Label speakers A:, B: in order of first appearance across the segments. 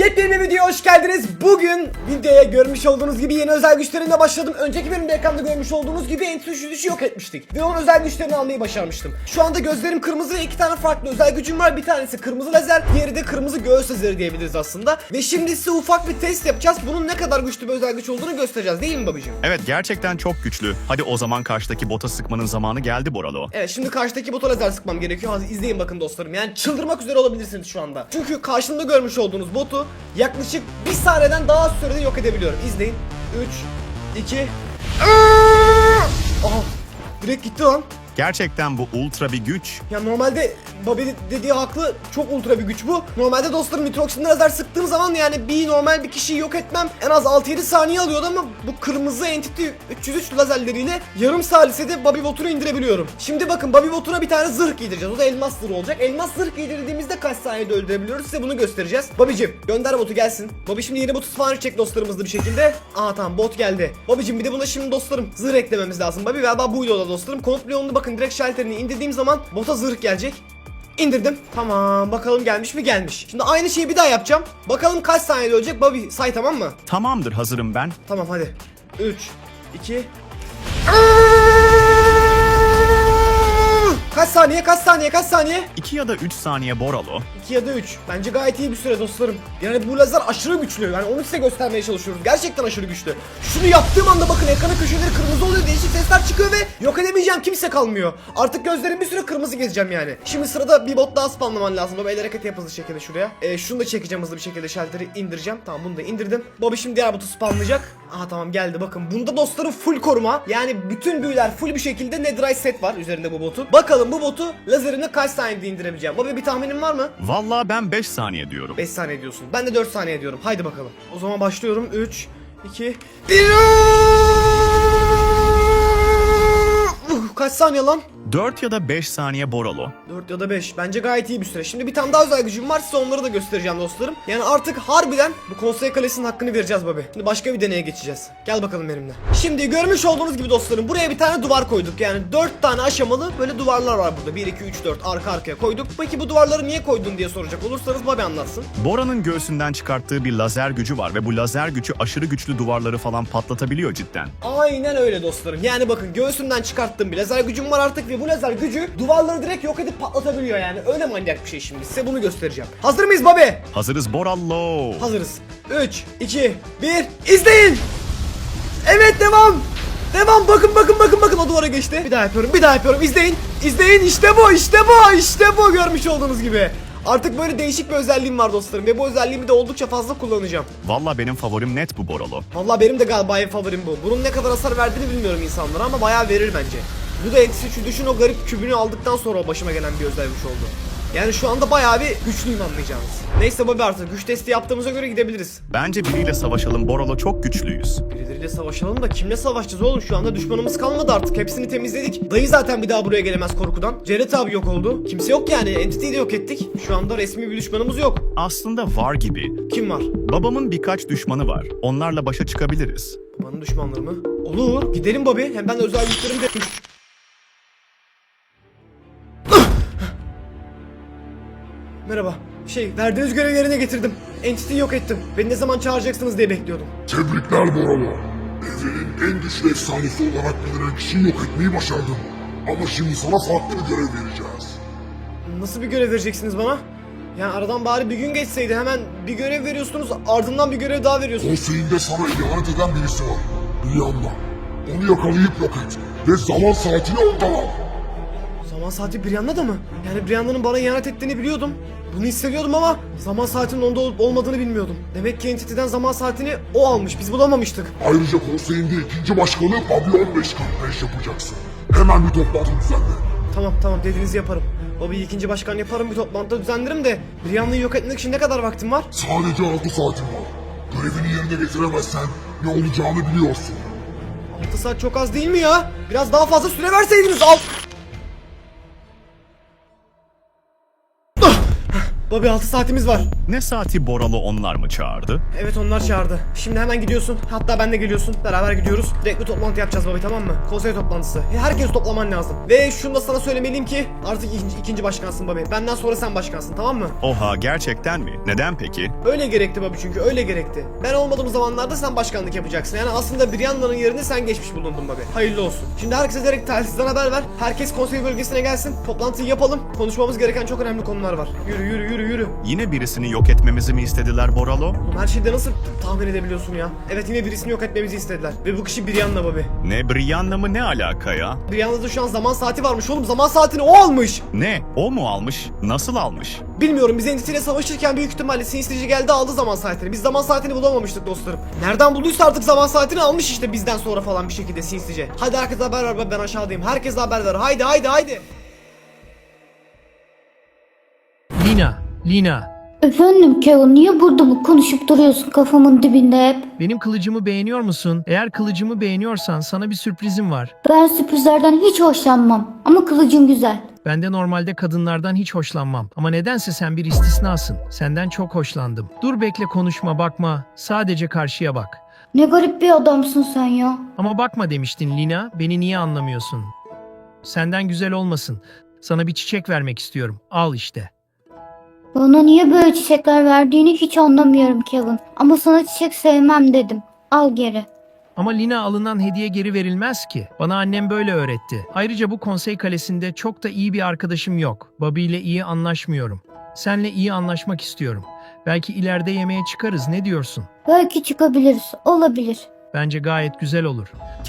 A: Yepyeni videoya hoş geldiniz. Bugün videoya görmüş olduğunuz gibi yeni özel güçlerimle başladım. Önceki bölümde ekranda görmüş olduğunuz gibi Entity yok etmiştik. Ve onun özel güçlerini almayı başarmıştım. Şu anda gözlerim kırmızı ve iki tane farklı özel gücüm var. Bir tanesi kırmızı lazer, diğeri de kırmızı göğüs lazeri diyebiliriz aslında. Ve şimdi size ufak bir test yapacağız. Bunun ne kadar güçlü bir özel güç olduğunu göstereceğiz, değil mi babacığım?
B: Evet, gerçekten çok güçlü. Hadi o zaman karşıdaki bota sıkmanın zamanı geldi Boralo.
A: Evet, şimdi karşıdaki bota lazer sıkmam gerekiyor. Hadi izleyin bakın dostlarım. Yani çıldırmak üzere olabilirsiniz şu anda. Çünkü karşımda görmüş olduğunuz botu yaklaşık bir saniyeden daha az sürede yok edebiliyorum. İzleyin. 3 2 Aha, direkt gitti lan.
B: Gerçekten bu ultra bir güç.
A: Ya normalde Bobby dediği haklı, çok ultra bir güç bu. Normalde dostlarım nitroksin lazer sıktığım zaman yani bir normal bir kişiyi yok etmem en az 6-7 saniye alıyordu ama bu kırmızı Entity 303 lazerleriyle yarım salisede Bobby botunu indirebiliyorum. Şimdi bakın, Bobby botuna bir tane zırh giydireceğiz. O da elmas zırh olacak. Elmas zırh giydirdiğimizde kaç saniyede öldürebiliyoruz, size bunu göstereceğiz. Bobby'cim gönder botu gelsin. Bobby şimdi yeni botu spawn edecek dostlarımızla bir şekilde. Aa tamam, bot geldi. Bobby'cim bir de buna şimdi dostlarım zırh eklememiz lazım. Bobby galiba buydu o da dostlarım. Komut Leon'u bakın, direkt şalterini indirdiğim zaman bota zırh gelecek. İndirdim. Tamam, bakalım gelmiş mi? Gelmiş. Şimdi aynı şeyi bir daha yapacağım. Bakalım kaç saniyede ölecek. Bobby say, tamam mı?
B: Tamamdır, hazırım ben.
A: Tamam hadi. 3 2 Kaç saniye? Kaç saniye? Kaç saniye?
B: 2 ya da 3 saniye Boralo.
A: 2 ya da 3. Bence gayet iyi bir süre dostlarım. Yani bu lazer aşırı güçlü. Yani onu size göstermeye çalışıyoruz. Gerçekten aşırı güçlü. Şunu yaptığım anda bakın, ekranın köşeleri kırmızı oluyor. Değişik sesler çıkıyor ve yok edemeyeceğim, kimse kalmıyor. Artık gözlerim bir süre kırmızı gezeceğim yani. Şimdi sırada bir bot daha spamlaman lazım. Baba el hareketi yap hızlı şekilde şuraya. Şunu da çekeceğim hızlı bir şekilde, şalteri indireceğim. Tamam, bunu da indirdim. Baba şimdi diğer botu spamlayacak. Aha tamam, geldi bakın. Bunda dostlarım full koruma. Yani bütün büyüler full bir şekilde Netherite set var üzerinde bu botun. Bakalım bu botu lazerine kaç saniyede indirebileceğim. Baba bir tahminin var mı?
B: Vallahi ben 5 saniye diyorum.
A: 5 saniye diyorsun. Ben de 4 saniye diyorum. Haydi bakalım. O zaman başlıyorum. 3 2 1 Kaç saniye lan?
B: 4 ya da 5 saniye Boralo.
A: 4 ya da 5. Bence gayet iyi bir süre. Şimdi bir tane daha özel gücüm var. Size onları da göstereceğim dostlarım. Yani artık harbiden bu konsey kalesinin hakkını vereceğiz babi. Şimdi başka bir deneye geçeceğiz. Gel bakalım benimle. Şimdi görmüş olduğunuz gibi dostlarım, buraya bir tane duvar koyduk. Yani 4 tane aşamalı böyle duvarlar var burada. 1 2 3 4 arka arkaya koyduk. Peki bu duvarları niye koydun diye soracak olursanız babi anlatsın.
B: Bora'nın göğsünden çıkarttığı bir lazer gücü var ve bu lazer gücü aşırı güçlü duvarları falan patlatabiliyor cidden.
A: Aynen öyle dostlarım. Yani bakın, göğsünden çıkarttığım bir lazer gücüm var artık ve bu lazer gücü duvarları direkt yok edip patlatabiliyor yani. Öyle manyak bir şey şimdi. Size bunu göstereceğim. Hazır mıyız babi?
B: Hazırız Boralo.
A: Hazırız. 3 2 1 İzleyin. Evet, devam. Devam. Bakın o duvara geçti. Bir daha yapıyorum. İzleyin. İşte bu görmüş olduğunuz gibi. Artık böyle değişik bir özelliğim var dostlarım ve bu özelliğimi de oldukça fazla kullanacağım.
B: Vallahi benim favorim net bu Boralo.
A: Vallahi benim de galiba en favorim bu. Bunun ne kadar hasar verdiğini bilmiyorum insanlara ama bayağı verir bence. Bu da Entity düşün, o garip kübünü aldıktan sonra başıma gelen bir özel güç oldu. Yani şu anda bayağı bir güçlüyüm, anlayacağınız. Neyse babi, artık güç testi yaptığımıza göre gidebiliriz.
B: Bence biriyle savaşalım Boralo, çok güçlüyüz.
A: Birileriyle savaşalım da kimle savaşacağız oğlum? Şu anda düşmanımız kalmadı artık. Hepsini temizledik. Dayı zaten bir daha buraya gelemez korkudan. Jared abi yok oldu. Kimse yok yani. Entity'yi de yok ettik. Şu anda resmi bir düşmanımız yok.
B: Aslında var gibi.
A: Kim var?
B: Babamın birkaç düşmanı var. Onlarla başa çıkabiliriz.
A: Babanın düşmanları mı? Olur. Gidelim babi. Hem ben de özel güçlerim de... Merhaba. Verdiğiniz görevi yerine getirdim. Entity'yi yok ettim. Beni ne zaman çağıracaksınız diye bekliyordum.
C: Tebrikler Boralo. Evrenin en güçlü efsanesi olarak bilinen kişiyi yok etmeyi başardın. Ama şimdi sana farklı bir görev vereceğiz.
A: Nasıl bir görev vereceksiniz bana? Yani aradan bari bir gün geçseydi, hemen bir görev veriyorsunuz, ardından bir görev daha veriyorsunuz.
C: Konseyinde sana ihanet eden birisi var. Brianna. Onu yakalayıp yok et. Ve zaman saatini ondan al.
A: Zaman saati Brianna da mı? Yani Brianna'nın bana ihanet ettiğini biliyordum. Bunu hissediyordum ama zaman saatinin onda olup olmadığını bilmiyordum. Demek ki Entity'den zaman saatini o almış, biz bulamamıştık.
C: Ayrıca konseyinde ikinci başkanı Bobby 15:45 yapacaksın. Hemen bir toplantı düzenle.
A: Tamam dediğinizi yaparım. Bobby'yi ikinci başkan yaparım, bir toplantıda düzenlerim de Brianna'yı yok etmek için ne kadar vaktim var?
C: Sadece 6 saatin var. Görevini yerine getiremezsen ne olacağını biliyorsun.
A: 6 saat çok az değil mi ya? Biraz daha fazla süre verseydiniz. Bobby 6 saatimiz var.
B: Ne saati Boralo onlar mı çağırdı?
A: Evet onlar çağırdı. Şimdi hemen gidiyorsun. Hatta ben de geliyorsun. Beraber gidiyoruz. Direkt bir toplantı yapacağız Bobby, tamam mı? Konsey toplantısı. Herkes toplaman lazım. Ve şunu da sana söylemeliyim ki artık ikinci başkansın Bobby. Benden sonra sen başkansın, tamam mı?
B: Oha, gerçekten mi? Neden peki?
A: Öyle gerekti Bobby, çünkü öyle gerekti. Ben olmadığım zamanlarda sen başkanlık yapacaksın. Yani aslında Brianna'nın yerine sen geçmiş bulundun Bobby. Hayırlı olsun. Şimdi herkese direkt telsizden haber ver. Herkes konsey bölgesine gelsin. Toplantıyı yapalım. Konuşmamız gereken çok önemli konular var. Yürü yürü yürü yürü.
B: Yine birisini yok etmemizi mi istediler Boralo?
A: Oğlum her şeyde nasıl tahmin edebiliyorsun ya? Evet, yine birisini yok etmemizi istediler. Ve bu kişi Brianna Bobby.
B: Ne, Brianna mı, ne alaka ya?
A: Brianna'da şu an zaman saati varmış oğlum. Zaman saatini o almış.
B: Ne? O mu almış? Nasıl almış?
A: Bilmiyorum, biz Entity ile savaşırken büyük ihtimalle sinistirici geldi aldı zaman saatini. Biz zaman saatini bulamamıştık dostlarım. Nereden bulduysa artık zaman saatini almış işte bizden sonra falan bir şekilde sinistirici. Hadi herkese haber ver, ben aşağıdayım. Herkese haber ver. Haydi haydi haydi.
D: Lina.
E: Efendim Kevin, niye burada bu konuşup duruyorsun kafamın dibinde hep?
D: Benim kılıcımı beğeniyor musun? Eğer kılıcımı beğeniyorsan sana bir sürprizim var.
E: Ben sürprizlerden hiç hoşlanmam ama kılıcın güzel.
D: Ben de normalde kadınlardan hiç hoşlanmam. Ama nedense sen bir istisnasın. Senden çok hoşlandım. Dur bekle, konuşma, bakma. Sadece karşıya bak.
E: Ne garip bir adamsın sen ya.
D: Ama bakma demiştin Lina. Beni niye anlamıyorsun? Senden güzel olmasın. Sana bir çiçek vermek istiyorum. Al işte.
E: Bana niye böyle çiçekler verdiğini hiç anlamıyorum Kevin. Ama sana çiçek sevmem dedim. Al geri.
D: Ama Lina, alınan hediye geri verilmez ki. Bana annem böyle öğretti. Ayrıca bu konsey kalesinde çok da iyi bir arkadaşım yok. Bobby ile iyi anlaşmıyorum. Seninle iyi anlaşmak istiyorum. Belki ileride yemeğe çıkarız, ne diyorsun?
E: Belki çıkabiliriz. Olabilir.
D: Bence gayet güzel olur.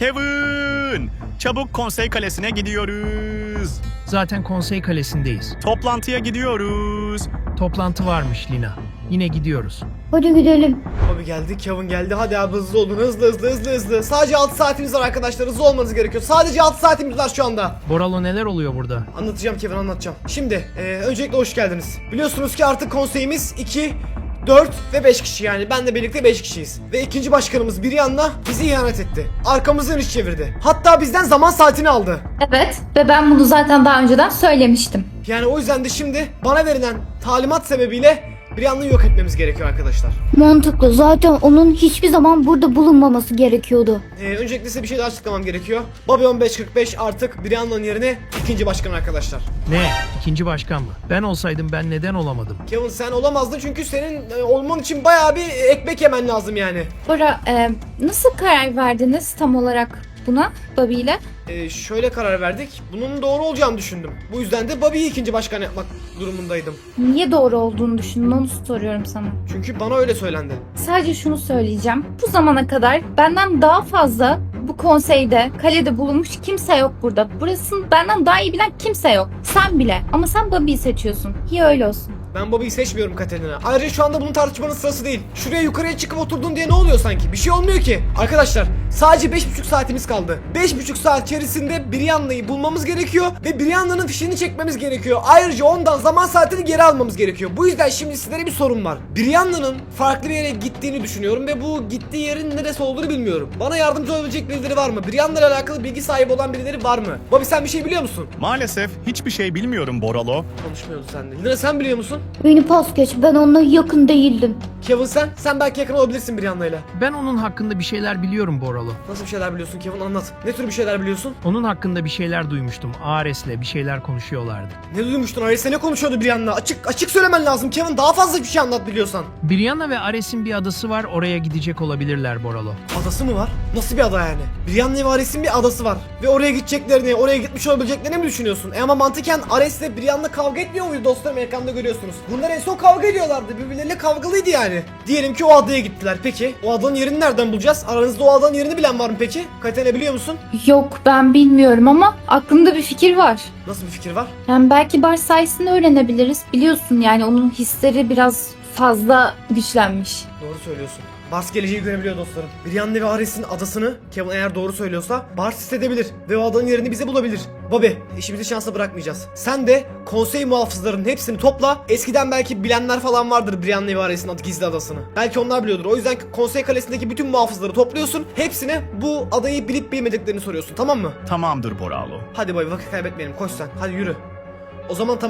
B: Kevin! Çabuk konsey kalesine gidiyoruz.
D: Zaten konsey kalesindeyiz.
B: Toplantıya gidiyoruz.
D: Toplantı varmış Lina. Yine gidiyoruz.
E: Hadi gidelim.
A: Bobby geldi, Kevin geldi. Hadi abi hızlı olun, hızlı. Sadece 6 saatimiz var arkadaşlar, hızlı olmanız gerekiyor. Sadece 6 saatimiz var şu anda.
D: Boralo, neler oluyor burada?
A: Anlatacağım Kevin, anlatacağım. Şimdi öncelikle hoş geldiniz. Biliyorsunuz ki artık konseyimiz 2, 4 ve 5 kişi, yani ben de birlikte 5 kişiyiz. Ve ikinci başkanımız Brianna bizi ihanet etti. Arkamızdan iş çevirdi. Hatta bizden zaman saatini aldı.
F: Evet ve ben bunu zaten daha önceden söylemiştim.
A: Yani o yüzden de şimdi bana verilen talimat sebebiyle Brianna'yı yok etmemiz gerekiyor arkadaşlar.
E: Mantıklı. Zaten onun hiçbir zaman burada bulunmaması gerekiyordu.
A: Öncelikle size bir şey daha açıklamam gerekiyor. Bobby 1545 artık Brianna'nın yerine ikinci başkan arkadaşlar.
D: Ne? İkinci başkan mı? Ben olsaydım ben neden olamadım?
A: Kevin sen olamazdın çünkü senin olman için bayağı bir ekmek yemen lazım yani.
F: Bora, nasıl karar verdiniz tam olarak buna Bobby ile?
A: Şöyle karar verdik. Bunun doğru olacağını düşündüm. Bu yüzden de Bobby'yi ikinci başkan yapmak durumundaydım.
F: Niye doğru olduğunu düşündün, onu soruyorum sana.
A: Çünkü bana öyle söylendi.
F: Sadece şunu söyleyeceğim. Bu zamana kadar benden daha fazla bu konseyde, kalede bulunmuş kimse yok burada. Burasını benden daha iyi bilen kimse yok. Sen bile. Ama sen Bobby'yi seçiyorsun. İyi öyle olsun.
A: Ben Bobby'yi seçmiyorum Katerina. Ayrıca şu anda bunun tartışmanın sırası değil. Şuraya yukarıya çıkıp oturdun diye ne oluyor sanki? Bir şey olmuyor ki. Arkadaşlar sadece 5,5 saatimiz kaldı. 5,5 saat içerisinde Brianna'yı bulmamız gerekiyor ve Brianna'nın fişini çekmemiz gerekiyor. Ayrıca ondan zaman saatini geri almamız gerekiyor. Bu yüzden şimdi sizlere bir sorum var. Brianna'nın farklı bir yere gittiğini düşünüyorum ve bu gittiği yerin neresi olduğunu bilmiyorum. Bana yardımcı olabilecek birileri var mı? Brianna ile alakalı bilgi sahibi olan birileri var mı? Bobby sen bir şey biliyor musun?
B: Maalesef hiçbir şey bilmiyorum Boralo.
A: Konuşmuyordu sende. Lina sen biliyor musun?
E: Beni pas geç. Ben onunla yakın değildim.
A: Kevin sen belki yakın olabilirsin Brianna ile.
D: Ben onun hakkında bir şeyler biliyorum Boralo.
A: Nasıl bir şeyler biliyorsun Kevin, anlat. Ne tür bir şeyler biliyorsun?
D: Onun hakkında bir şeyler duymuştum. Ares'le bir şeyler konuşuyorlardı.
A: Ne duymuştun? Ares'le ne konuşuyordu Brianna? Açık söylemen lazım Kevin. Daha fazla bir şey anlat biliyorsan.
D: Brianna ve Ares'in bir adası var. Oraya gidecek olabilirler Boralo.
A: Adası mı var? Nasıl bir ada yani? Brianna ve Ares'in bir adası var. Ve oraya gideceklerini, oraya gitmiş olabileceklerini mi düşünüyorsun? Ama mantıken Ares'le Brianna kavga etmiyor muydu dostlarım? Ekranda görüyorsunuz. Bunlar en son kavga ediyorlardı. Birbirleriyle kavgalıydı yani. Diyelim ki o adaya gittiler. Peki o adanın yerini nereden bulacağız? Aranızda o adanın yerini bilen var mı peki? Katerina biliyor musun?
F: Yok, ben bilmiyorum ama aklımda bir fikir var.
A: Nasıl bir fikir var?
F: Yani belki Bars sayesinde öğrenebiliriz. Biliyorsun yani onun hisleri biraz fazla güçlenmiş.
A: Doğru söylüyorsun. Bars geleceği görebiliyor dostlarım. Brianna ve Ares'in adasını Kevin eğer doğru söylüyorsa Bars hissedebilir ve o adanın yerini bize bulabilir. Bobby, işimizi şansa bırakmayacağız. Sen de konsey muhafızlarının hepsini topla. Eskiden belki bilenler falan vardır Brianna ve Ares'in gizli adasını. Belki onlar biliyordur. O yüzden konsey kalesindeki bütün muhafızları topluyorsun. Hepsine bu adayı bilip bilmediklerini soruyorsun, tamam mı?
B: Tamamdır Boralo.
A: Hadi Bobby, vakit kaybetmeyelim. Koş sen. Hadi yürü. O zaman tamam.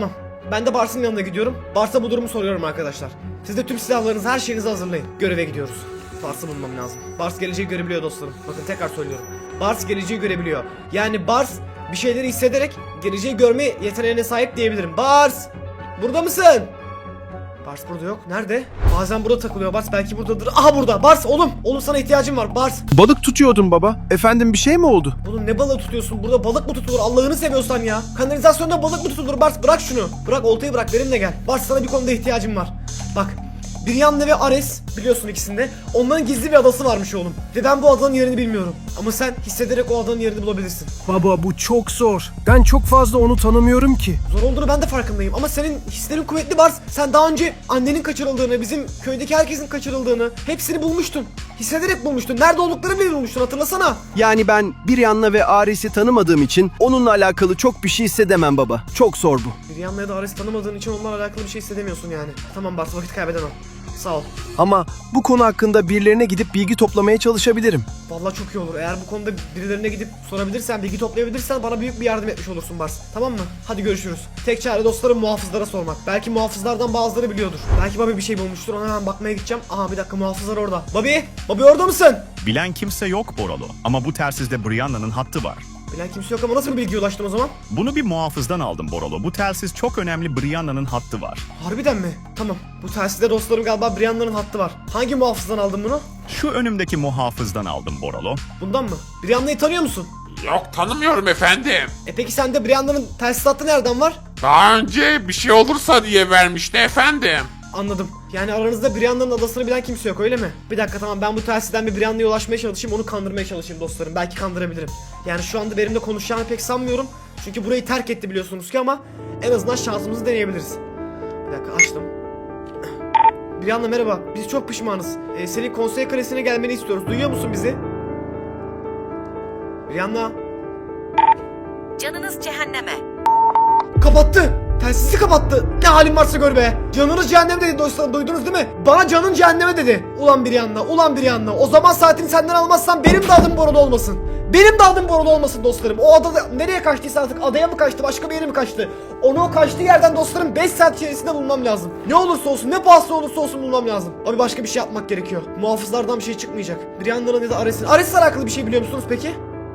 A: Ben de Bars'ın yanına gidiyorum. Bars'a bu durumu soruyorum arkadaşlar. Siz de tüm silahlarınızı, her şeyinizi hazırlayın. Göreve gidiyoruz. Bars'ı bulmam lazım. Bars geleceği görebiliyor dostlarım. Bakın tekrar söylüyorum. Bars geleceği görebiliyor. Yani Bars bir şeyleri hissederek geleceği görme yeteneğine sahip diyebilirim. Bars! Burada mısın? Bars burada yok. Nerede? Bazen burada takılıyor Bars. Belki buradadır. Aha burada. Bars oğlum. Oğlum sana ihtiyacım var. Bars.
G: Balık tutuyordum baba. Efendim bir şey mi oldu?
A: Oğlum ne balığı tutuyorsun? Burada balık mı tutulur? Allah'ını seviyorsan ya. Kanalizasyonda balık mı tutulur? Bars bırak şunu. Bırak oltayı bırak. Benimle gel. Bars sana bir konuda ihtiyacım var. Bak. Brianna ve Ares biliyorsun ikisinde. Onların gizli bir adası varmış oğlum. Ve ben bu adanın yerini bilmiyorum. Ama sen hissederek o adanın yerini bulabilirsin.
G: Baba bu çok zor. Ben çok fazla onu tanımıyorum ki.
A: Zor olduğunu ben de farkındayım ama senin hislerin kuvvetli Bars. Sen daha önce annenin kaçırıldığını, bizim köydeki herkesin kaçırıldığını hepsini bulmuştun. Hissederek bulmuştun. Nerede olduklarını bile bulmuştun, hatırlasana.
G: Yani ben Brianna ve Ares'i tanımadığım için onunla alakalı çok bir şey hissedemem baba. Çok zor bu.
A: Brianna'ya da Ares'i tanımadığın için onlarla alakalı bir şey hissedemiyorsun yani. Tamam Bars, vakit kaybedemem. Sağ ol.
G: Ama bu konu hakkında birilerine gidip bilgi toplamaya çalışabilirim.
A: Vallahi çok iyi olur. Eğer bu konuda birilerine gidip sorabilirsen, bilgi toplayabilirsen bana büyük bir yardım etmiş olursun Bars. Tamam mı? Hadi görüşürüz. Tek çare dostlarım muhafızlara sormak. Belki muhafızlardan bazıları biliyordur. Belki Bobby bir şey bulmuştur. Ona hemen bakmaya gideceğim. Aha bir dakika, muhafızlar orada. Bobby! Bobby orada mısın?
B: Bilen kimse yok Boralo ama bu telsizde Brianna'nın hattı var.
A: Bilen kimse yok ama nasıl bir bilgiye ulaştın o zaman?
B: Bunu bir muhafızdan aldım Boralo. Bu telsiz çok önemli, Brianna'nın hattı var.
A: Harbiden mi? Tamam. Bu telsizde dostlarım galiba Brianna'nın hattı var. Hangi muhafızdan aldın bunu?
B: Şu önümdeki muhafızdan aldım Boralo.
A: Bundan mı? Brianna'yı tanıyor musun?
H: Yok, tanımıyorum efendim.
A: Peki sende Brianna'nın telsiz hattı nereden var?
H: Daha önce bir şey olursa diye vermişti efendim.
A: Anladım. Yani aranızda Brianna'nın adasını bilen kimse yok, öyle mi? Bir dakika, tamam, ben bu telsizden bir Brianna'ya ulaşmaya çalışayım, onu kandırmaya çalışayım dostlarım. Belki kandırabilirim. Yani şu anda benimle konuşacağını pek sanmıyorum. Çünkü burayı terk etti biliyorsunuz ki, ama en azından şansımızı deneyebiliriz. Bir dakika, açtım. Brianna merhaba. Biz çok pişmanız. Senin konsey kalesine gelmeni istiyoruz. Duyuyor musun bizi? Brianna.
I: Canınız cehenneme.
A: Kapattı. Telsizi kapattı. Ne halin varsa gör be. Canınız cehenneme dedi dostlarım, duydunuz değil mi? Bana canın cehenneme dedi. Ulan Brianna, ulan Brianna. O zaman saatini senden almazsam benim de adım Borolo olmasın. Benim de adım Borolo olmasın dostlarım. O adada nereye kaçtıysa artık, adaya mı kaçtı, başka bir yere mi kaçtı? Onu o kaçtığı yerden dostlarım 5 saat içerisinde bulmam lazım. Ne olursa olsun, ne pahasına olursa olsun bulmam lazım. Abi başka bir şey yapmak gerekiyor. Muhafızlardan bir şey çıkmayacak. Brianna'nın ya da Ares'in. Ares'le alakalı bir şey biliyor musunuz peki?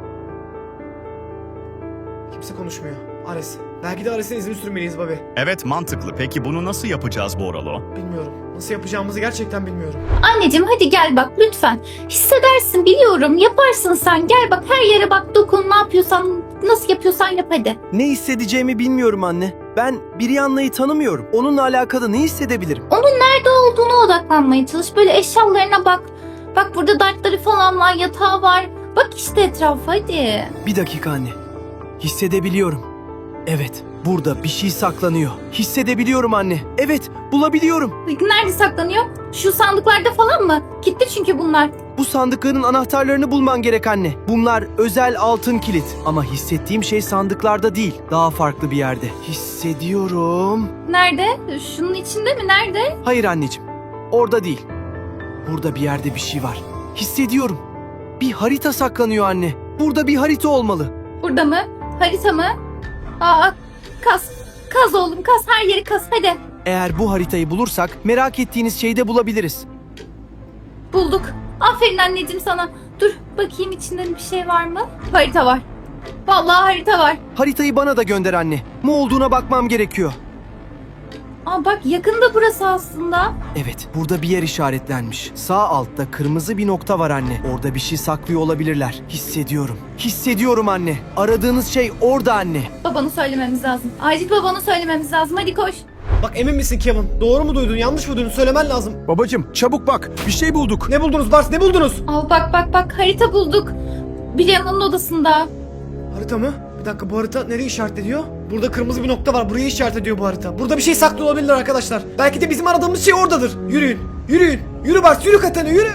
A: Kimse konuşmuyor. Ares. Belki de Ares'in izini sürmeliyiz Bobby.
B: Evet, mantıklı. Peki bunu nasıl yapacağız Boralo?
A: Bilmiyorum. Nasıl yapacağımızı gerçekten bilmiyorum.
F: Anneciğim hadi gel bak lütfen. Hissedersin biliyorum, yaparsın sen. Gel bak, her yere bak, dokun, ne yapıyorsan, nasıl yapıyorsan yap hadi.
G: Ne hissedeceğimi bilmiyorum anne. Ben Brianna'yı tanımıyorum. Onunla alakalı ne hissedebilirim?
F: Onun nerede olduğuna odaklanmaya çalış. Böyle eşyalarına bak. Bak burada dartları falan var, yatağı var. Bak işte etrafa hadi.
G: Bir dakika anne. Hissedebiliyorum. Evet, burada bir şey saklanıyor. Hissedebiliyorum anne. Evet, bulabiliyorum.
F: Nerede saklanıyor? Şu sandıklarda falan mı? Kilitli çünkü bunlar.
G: Bu sandıkların anahtarlarını bulman gerek anne. Bunlar özel altın kilit. Ama hissettiğim şey sandıklarda değil. Daha farklı bir yerde. Hissediyorum.
F: Nerede? Şunun içinde mi? Nerede?
G: Hayır anneciğim. Orada değil. Burada bir yerde bir şey var. Hissediyorum. Bir harita saklanıyor anne. Burada bir harita olmalı.
F: Burada mı? Harita mı? Aa, kaz. Kaz oğlum, kaz. Her yeri kaz hadi.
G: Eğer bu haritayı bulursak merak ettiğiniz şeyi de bulabiliriz.
F: Bulduk. Aferin anneciğim sana. Dur bakayım içinde bir şey var mı? Harita var. Vallahi harita var.
G: Haritayı bana da gönder anne. Ne olduğuna bakmam gerekiyor.
F: Aa bak, yakında burası aslında.
G: Evet, burada bir yer işaretlenmiş. Sağ altta kırmızı bir nokta var anne. Orada bir şey saklıyor olabilirler. Hissediyorum. Hissediyorum anne. Aradığınız şey orada anne.
F: Babanı söylememiz lazım. Acil babanı söylememiz lazım. Hadi koş.
A: Bak emin misin Kevin? Doğru mu duydun, yanlış mı duydun? Söylemen lazım.
G: Babacım, çabuk bak. Bir şey bulduk.
A: Ne buldunuz Bars, ne buldunuz?
F: Al bak harita bulduk. Brianna'nın odasında.
A: Harita mı? Bir dakika, bu harita nereye işaret ediyor? Burada kırmızı bir nokta var, burayı işaret ediyor bu harita. Burada bir şey saklı olabilir arkadaşlar. Belki de bizim aradığımız şey oradadır. Yürüyün, yürüyün. Yürü Bars, yürü Katerina, yürü.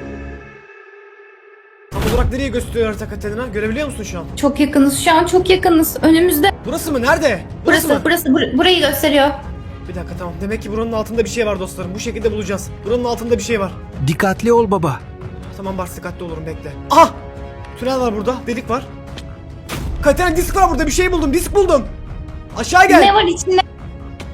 A: Tam olarak nereye gösteriyor harita Katerina? Görebiliyor musun şu an?
F: Çok yakınız şu an, çok yakınız. Önümüzde.
A: Burası mı? Nerede?
F: Burası burayı gösteriyor.
A: Bir dakika, tamam. Demek ki buranın altında bir şey var dostlarım. Bu şekilde bulacağız. Buranın altında bir şey var.
G: Dikkatli ol baba.
A: Tamam Bars, dikkatli olurum, bekle. Aha! Tünel var burada, delik var. Katerina, disk var burada, bir şey buldum, disk buldum. Aşağı gel.
F: Ne var içinde?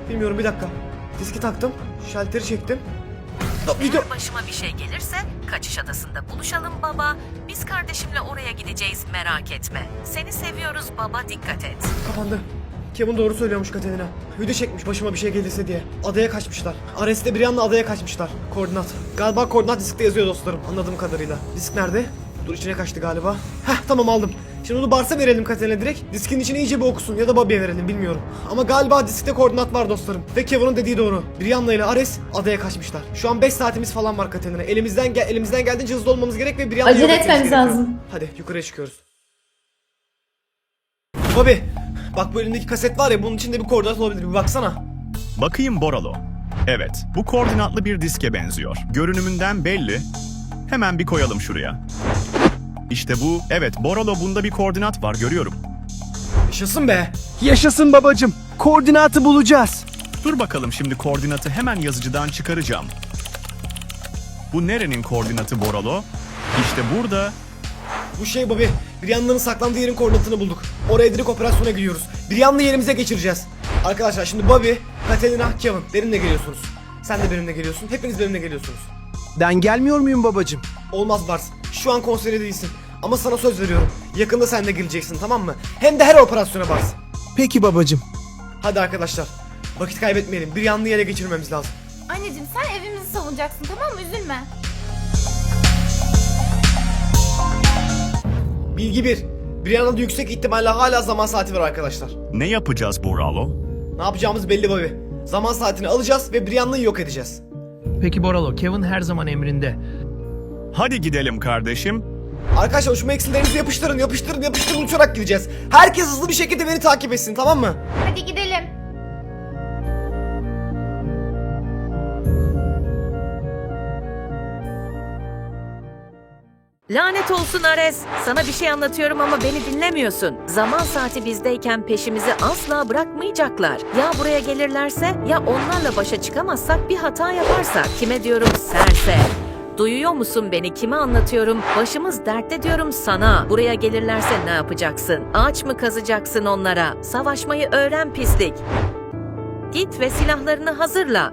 A: Bilmiyorum, bir dakika. Diski taktım. Şalteri çektim. Video...
I: Eğer başıma bir şey gelirse kaçış adasında buluşalım baba. Biz kardeşimle oraya gideceğiz, merak etme. Seni seviyoruz baba, dikkat et.
A: Kapandı. Kevin doğru söylüyormuş Katerina. Video çekmiş başıma bir şey gelirse diye. Adaya kaçmışlar. Ares'te bir yanla adaya kaçmışlar. Koordinat. Galiba koordinat diskte yazıyor dostlarım, anladığım kadarıyla. Disk nerede? Dur, içine kaçtı galiba. Heh, tamam, aldım. Şimdi onu Bars'a verelim Katerina direkt. Diskin içine iyice bir okusun ya da Bobby'ye verelim, bilmiyorum. Ama galiba diskte koordinat var dostlarım. Ve Kevin'in dediği doğru. Brianna ile Ares adaya kaçmışlar. Şu an 5 saatimiz falan var Katerina. Elimizden geldiğince hızlı olmamız gerek ve Brianna'yı
F: Acele
A: yok etmemiz
F: etmemiz
A: gerekiyor.
F: lazım.
A: Hadi yukarıya çıkıyoruz. Bobby, bak bu elindeki kaset var ya, bunun içinde bir koordinat olabilir, bir baksana.
B: Bakayım Boralo. Evet, bu koordinatlı bir diske benziyor. Görünümünden belli. Hemen bir koyalım şuraya. İşte bu. Evet, Boralo, bunda bir koordinat var, görüyorum.
A: Yaşasın be.
G: Yaşasın babacım. Koordinatı bulacağız.
B: Dur bakalım, şimdi koordinatı hemen yazıcıdan çıkaracağım. Bu nerenin koordinatı Boralo? İşte burada.
A: Bu şey Bobby, Brianna'nın saklandığı yerin koordinatını bulduk. Oraya direkt operasyona gidiyoruz. Brianna'yı yerimize geçireceğiz. Arkadaşlar şimdi Bobby, Katerina, Kevin benimle geliyorsunuz. Sen de benimle geliyorsun. Hepiniz benimle geliyorsunuz.
G: Ben gelmiyor muyum babacım?
A: Olmaz Bars. Şu an konserde değilsin. Ama sana söz veriyorum. Yakında sen de geleceksin, tamam mı? Hem de her operasyona Bars.
G: Peki babacım.
A: Hadi arkadaşlar. Vakit kaybetmeyelim. Brianna'yı ele geçirmemiz lazım.
F: Anneciğim sen evimizi savunacaksın, tamam mı? Üzülme.
A: Bilgi 1. Brianna'da yüksek ihtimalle hala zaman saati var arkadaşlar.
B: Ne yapacağız Boralo?
A: Ne yapacağımız belli Bobby. Zaman saatini alacağız ve Brianna'yı yok edeceğiz.
D: Peki Boralo, Kevin her zaman emrinde.
B: Hadi gidelim kardeşim.
A: Arkadaşlar şu eksillerinizi yapıştırın uçarak gideceğiz. Herkes hızlı bir şekilde beni takip etsin, tamam mı?
F: Hadi gidelim.
I: Lanet olsun Ares. Sana bir şey anlatıyorum ama beni dinlemiyorsun. Zaman saati bizdeyken peşimizi asla bırakmayacaklar. Ya buraya gelirlerse ya onlarla başa çıkamazsak, bir hata yaparsak. Kime diyorum? Serse. Duyuyor musun beni? Kime anlatıyorum? Başımız dertte diyorum sana. Buraya gelirlerse ne yapacaksın? Ağaç mı kazacaksın onlara? Savaşmayı öğren pislik. Git ve silahlarını hazırla.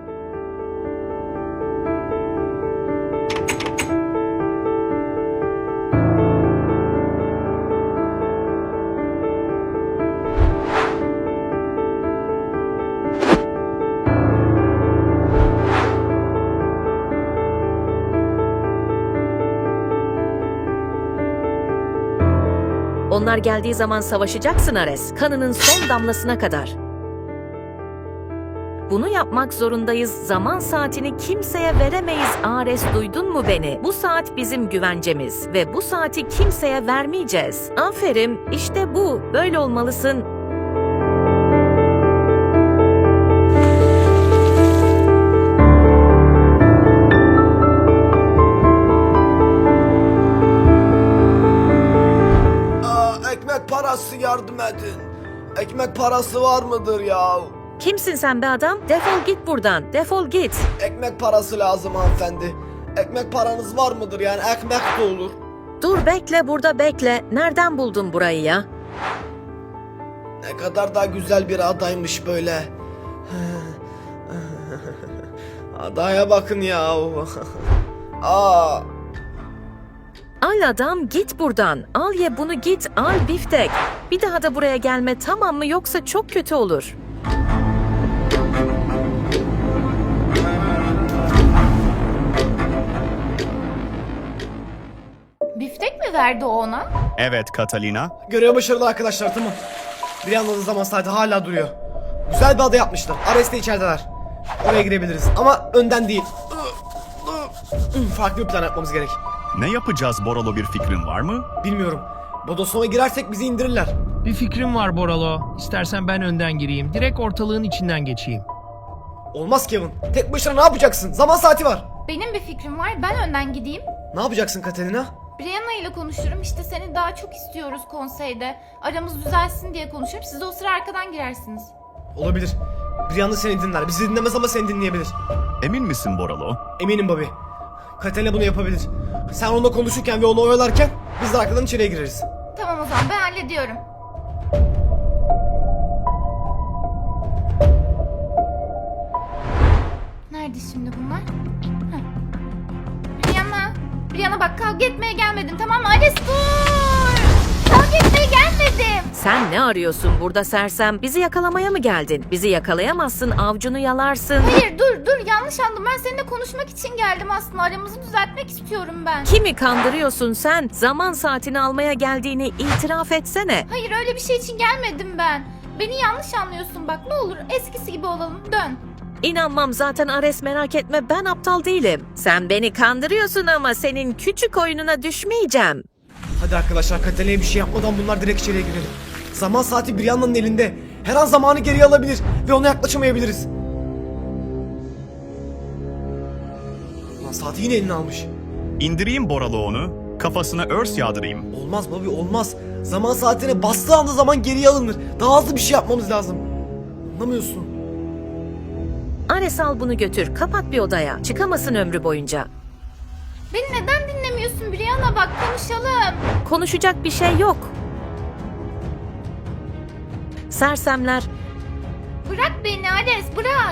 I: Onlar geldiği zaman savaşacaksın Ares. Kanının son damlasına kadar. Bunu yapmak zorundayız. Zaman saatini kimseye veremeyiz Ares, duydun mu beni? Bu saat bizim güvencemiz ve bu saati kimseye vermeyeceğiz. Aferin, işte bu. Böyle olmalısın.
A: Ekmek parası yardım edin. Ekmek parası var mıdır ya?
I: Kimsin sen be adam? Defol git buradan. Defol git.
A: Ekmek parası lazım hanımefendi. Ekmek paranız var mıdır yani, ekmek de olur.
I: Dur bekle, burada bekle. Nereden buldun burayı ya?
A: Ne kadar da güzel bir adaymış böyle. Adaya bakın ya. Aa.
I: Al adam, git buradan. Al ye bunu, git al biftek. Bir daha da buraya gelme, tamam mı? Yoksa çok kötü olur.
F: Biftek mi verdi o ona?
B: Evet Catalina.
A: Görev başarılı arkadaşlar, tamam. Bir yandan zaman saati hala duruyor. Güzel bir ada yapmışlar. Ares de içerideler. Oraya girebiliriz ama önden değil. Farklı bir plan yapmamız gerek.
B: Ne yapacağız Boralo, bir fikrin var mı?
A: Bilmiyorum. Bodoslama girersek bizi indirirler.
D: Bir fikrim var Boralo. İstersen ben önden gireyim. Direkt ortalığın içinden geçeyim.
A: Olmaz Kevin. Tek başına ne yapacaksın? Zaman saati var.
F: Benim bir fikrim var. Ben önden gideyim.
A: Ne yapacaksın Katerina?
F: Brianna ile konuşurum. İşte seni daha çok istiyoruz konseyde. Aramız düzelsin diye konuşurum. Siz de o sıra arkadan girersiniz.
A: Olabilir. Brianna seni dinler. Bizi dinlemez ama seni dinleyebilir.
B: Emin misin Boralo?
A: Eminim Bobby. Katerina bunu yapabilir. Sen onunla konuşurken ve onu oyalarken biz de arkadan içeriye gireriz.
F: Tamam o zaman ben hallediyorum. Nerede şimdi bunlar? Heh. Brianna bak, kavga etmeye gelmedim, tamam mı? Ares dur! Kavga etmeye gelmedim.
I: Sen ne arıyorsun burada sersem? Bizi yakalamaya mı geldin? Bizi yakalayamazsın, avcunu yalarsın.
F: Hayır dur, yanlış anladım. Ben seninle konuşmak için geldim aslında. Aramızı düzeltmek istiyorum ben.
I: Kimi kandırıyorsun sen? Zaman saatini almaya geldiğini itiraf etsene.
F: Hayır, öyle bir şey için gelmedim ben. Beni yanlış anlıyorsun bak, ne olur eskisi gibi olalım, dön.
I: İnanmam zaten Ares, merak etme, ben aptal değilim. Sen beni kandırıyorsun ama senin küçük oyununa düşmeyeceğim.
A: Hadi arkadaşlar, Katalina'ya bir şey yapmadan bunlar direkt içeriye girelim. Zaman saati Brianna'nın elinde. Her an zamanı geriye alabilir ve ona yaklaşamayabiliriz. Lan saati yine eline almış.
B: İndireyim Boralo onu, kafasına örs yağdırayım.
A: Olmaz Bobby, olmaz. Zaman saatine bastığı anda zaman geriye alınır. Daha hızlı bir şey yapmamız lazım. Anlamıyorsun.
I: Ares, al bunu götür, kapat bir odaya. Çıkamasın ömrü boyunca.
F: Beni neden dinlemiyorsun Brianna, bak konuşalım.
I: Konuşacak bir şey yok. Sersemler,
F: Bırak beni Ares, bırak.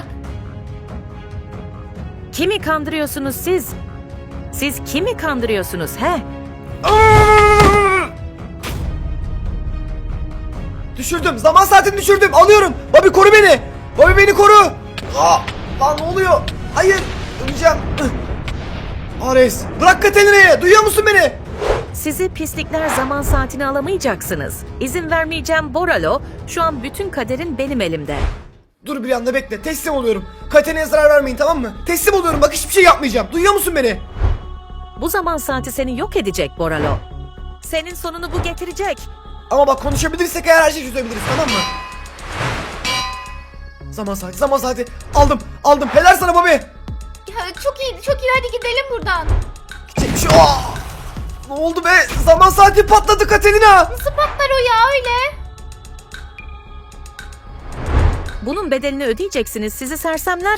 I: kimi kandırıyorsunuz siz? Siz kimi kandırıyorsunuz he?
A: Düşürdüm. Zaman saatini düşürdüm. Alıyorum. Bobby koru beni. Bobby beni koru. Lan ne oluyor? Hayır. Öleceğim. Ares. Bırak Katalina'yı. Duyuyor musun beni?
I: Sizi pislikler, zaman saatini alamayacaksınız. İzin vermeyeceğim Boralo. Şu an bütün kaderin benim elimde.
A: Dur bir anda bekle. Teslim oluyorum. Katalina'ya zarar vermeyin, tamam mı? Teslim oluyorum. Bak hiçbir şey yapmayacağım. Duyuyor musun beni?
I: Bu zaman saati seni yok edecek Boralo. Senin sonunu bu getirecek.
A: Ama bak konuşabilirsek eğer her şeyi çözebiliriz, tamam mı? Zaman saati. Aldım. Helal sana Bobby.
F: Ya, çok iyi, hadi gidelim buradan.
A: Gidecek bir şey. Ne oldu be? Zaman saati patladı Katalina.
F: Nasıl patlar o ya öyle?
I: Bunun bedelini ödeyeceksiniz sizi sersemler.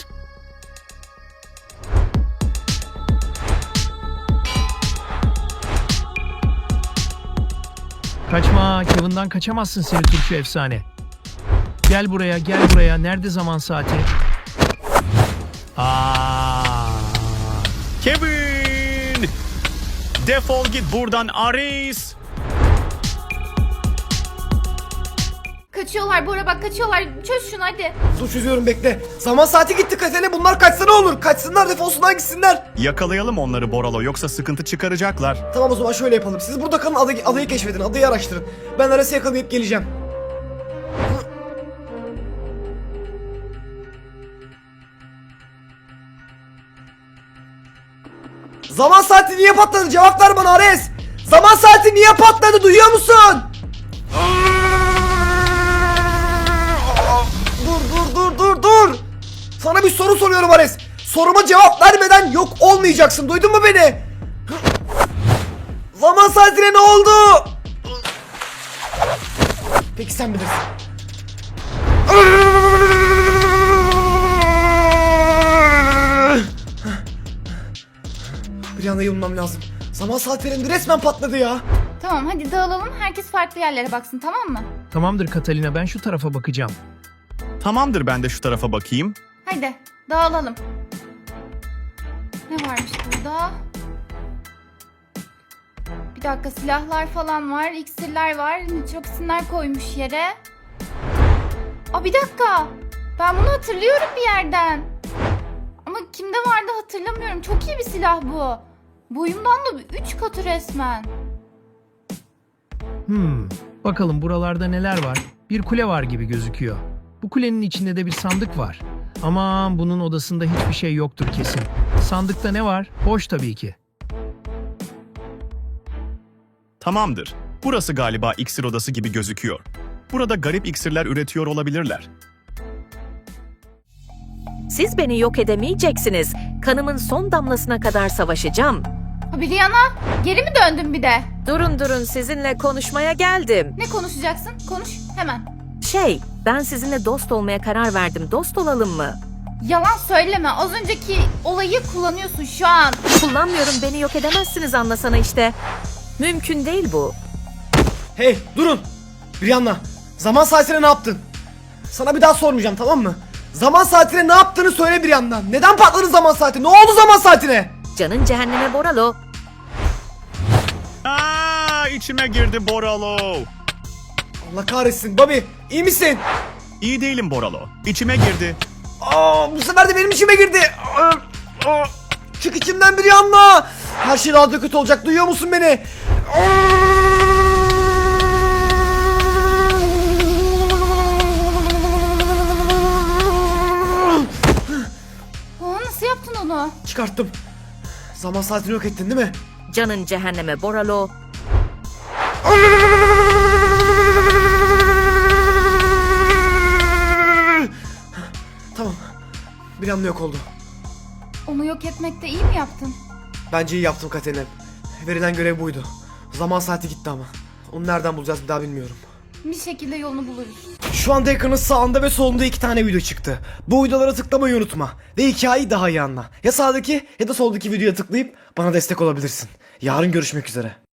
D: Kaçma, Kevin'dan kaçamazsın seni turşu efsane. Gel buraya. Nerede zaman saati?
B: Kevin! Defol git buradan Ares!
F: Kaçıyorlar Bora, bak kaçıyorlar. Çöz şunu hadi.
A: Dur çözüyorum, bekle. Zaman saati gitti Katalina. Bunlar kaçsa ne olur? Kaçsınlar, defolsunlar, gitsinler.
B: Yakalayalım onları Boralo, yoksa sıkıntı çıkaracaklar.
A: Tamam, o zaman şöyle yapalım. Siz burada kalın, adayı keşfedin, adayı araştırın. Ben Ares'i yakalayıp geleceğim. Zaman saati niye patladı? Cevap ver bana Ares. Zaman saati niye patladı? Duyuyor musun? Dur. Sana bir soru soruyorum Ares. Soruma cevap vermeden yok olmayacaksın. Duydun mu beni? Zaman saatine ne oldu? Peki sen bilirsin. Bir anda yılmam lazım. Zaman saatlerinde resmen patladı ya.
F: Tamam hadi dağılalım, herkes farklı yerlere baksın, tamam mı?
D: Tamamdır Katalina, ben şu tarafa bakacağım.
B: Tamamdır, ben de şu tarafa bakayım.
F: Hadi dağılalım. Ne varmış burada? Bir dakika, silahlar falan var, iksirler var, nitroksinler koymuş yere. Bir dakika. Ben bunu hatırlıyorum bir yerden. Ama kimde vardı hatırlamıyorum. Çok iyi bir silah bu. Boyumdan da 3 katı resmen.
D: Bakalım buralarda neler var? Bir kule var gibi gözüküyor. Bu kulenin içinde de bir sandık var. Aman, bunun odasında hiçbir şey yoktur kesin. Sandıkta ne var? Boş tabii ki.
B: Tamamdır. Burası galiba iksir odası gibi gözüküyor. Burada garip iksirler üretiyor olabilirler.
I: Siz beni yok edemeyeceksiniz. Kanımın son damlasına kadar savaşacağım.
F: Brianna, geri mi döndün bir de?
I: Durun, sizinle konuşmaya geldim.
F: Ne konuşacaksın? Konuş hemen.
I: Ben sizinle dost olmaya karar verdim. Dost olalım mı?
F: Yalan söyleme. Az önceki olayı kullanıyorsun şu an.
I: Kullanmıyorum, beni yok edemezsiniz, anlasana işte. Mümkün değil bu.
A: Hey durun. Brianna, zaman saatine ne yaptın? Sana bir daha sormayacağım, tamam mı? Zaman saatine ne yaptığını söyle bir yandan. Neden patladı zaman saati? Ne oldu zaman saatine?
I: Canın cehenneme Boralo.
B: Aa, içime girdi Boralo.
A: Allah kahretsin. Bobby, iyi misin?
B: İyi değilim Boralo. İçime girdi.
A: Bu sefer de benim içime girdi. Çık içimden bir yanma. Her şey daha da kötü olacak. Duyuyor musun beni?
F: Nasıl yaptın onu?
A: Çıkarttım. Zaman saatini yok ettin değil mi?
I: Canın cehenneme Boralo.
A: Tamam. Bir anda yok oldu.
F: Onu yok etmekte iyi mi yaptın?
A: Bence iyi yaptım Katerina. Verilen görev buydu. Zaman saati gitti ama. Onu nereden bulacağız bir daha bilmiyorum.
F: Bir şekilde yolunu buluruz.
A: Şu anda ekranın sağında ve solunda 2 tane video çıktı. Bu videolara tıklamayı unutma. Ve hikayeyi daha iyi anla. Ya sağdaki ya da soldaki videoya tıklayıp bana destek olabilirsin. Yarın görüşmek üzere.